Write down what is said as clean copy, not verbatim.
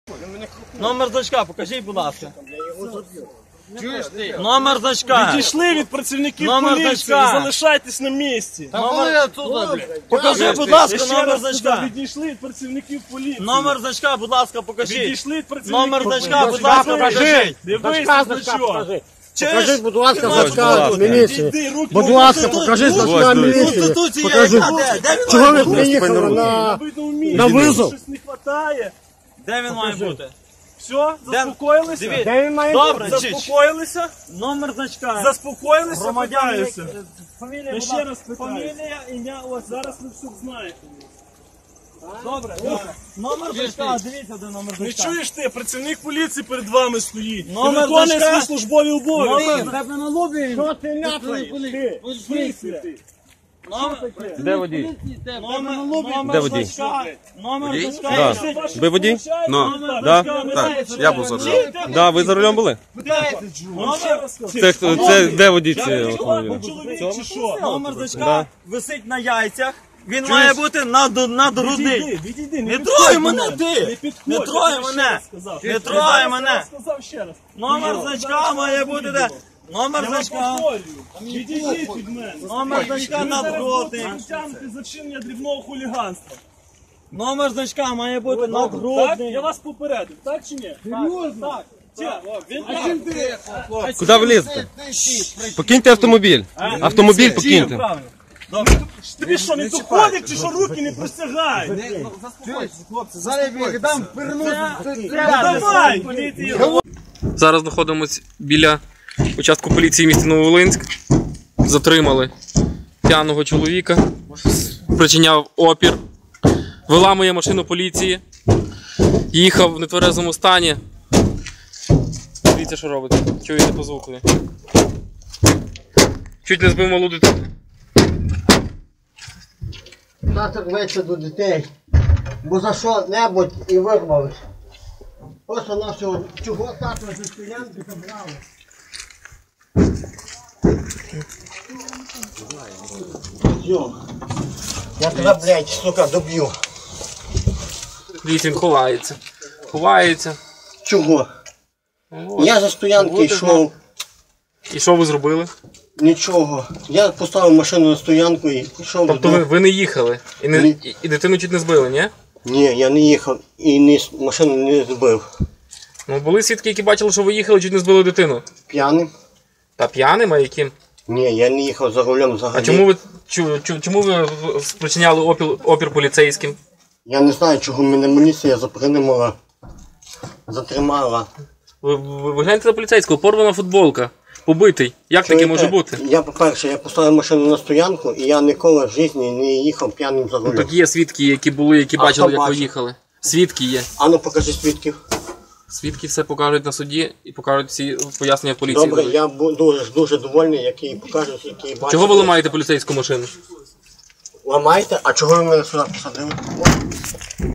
Номер значка, покажіть, будь ласка. Номер значка. Відійшли від працівників поліції, залишайтесь на місці. Покажи, будь ласка, номер значка. Відійшли від працівників поліції. Номер значка, будь ласка, покажіть. Відійшли від працівників Номер значка, будь ласка, покажіть. Дивись, значок. Покажи, будь ласка, значка міліції. Будь ласка, покажи значка міліції. Покажи. Чого ви приїхали на визов? Щось не вистачає. Де він має бути? Все, заспокоїлися? Дивіться. Де він має Добре, Заспокоїлися? номер значка. Заспокоїлися? Громадяни. Питаюся. Фамілія, Я будь ще ласка. раз питаю. Фамілія, ім'я, ось. Зараз ви все знаєте. Добре, добре. Номер значка, дивіться, де номер Не значка. чуєш ти, працівник поліції перед вами стоїть. Номер Ти виконує значка. свої службові обов'язки. Тебе на лобі. Що ти ляпаєш? Де водій? Номер значка. Номер значка. Ви водій? Да? Так, я був за рулем. Да, ви за рулем були? Це де водій цього автомобіля? Чоловік чи що? Номер значка висить на яйцях. Він має бути над грудний. Відійди, Не трой мене ти! Не трой мене! Не трой мене! Сказав ще раз. Номер значка має бути де? Номер значка. Відійдіть від мене. Номер значка надгрудний. Тягнути за вчинення дрібного хуліганства. Номер значка має бути Так? надгрудний. Я вас попередив, так чи ні? Так. Куди ви лізете? Покиньте автомобіль. Автомобіль покиньте. Правильно. Тобі що, не доходить, чи що руки не простягають? Зараз я віддам Давай, поліція. Зараз знаходимося біля участку поліції міста Нововолинськ. Затримали п'яного чоловіка, причиняв опір, виламує машину поліції, їхав в нетверезому стані. Дивіться, що робить. Чуєте по звукові. Чуть не збив малу дитину. Тато рветься до дітей, бо за що-небудь і вирвались. Просто нашого чого тато зі стоянки забрали. Йо, я тебе, блядь, сука, доб'ю. Дивіться, він ховається. Ховається. Чого? Я за стоянки От і йшов, І що ви зробили? нічого. Я поставив машину на стоянку і пішов Тобто додому. ви не їхали і дитину чуть не збили, ні? Ні, я не їхав і машину не збив. Ну були свідки, які бачили, що ви їхали, чуть не збили дитину. П'яним? Та п'яним, а яким? Ні, я не їхав за рулем взагалі. А чому ви спричиняли опір поліцейським? Я не знаю, чого мене міліція затримала. Ви гляньте на поліцейського, порвана футболка, побитий. Як таке може бути? Я, по-перше, я поставив машину на стоянку і я ніколи в житті не їхав п'яним за рулем. Так є свідки, які були, які бачили, хто як ви бачив? їхали. Свідки є. А ну покажи свідків. Свідки все покажуть на суді і покажуть всі пояснення поліції. Добре, я дуже довольний, які покажуть, які бачать. Чого ви ламаєте поліцейську машину? Ламаєте? А чого ви мене сюди посадили?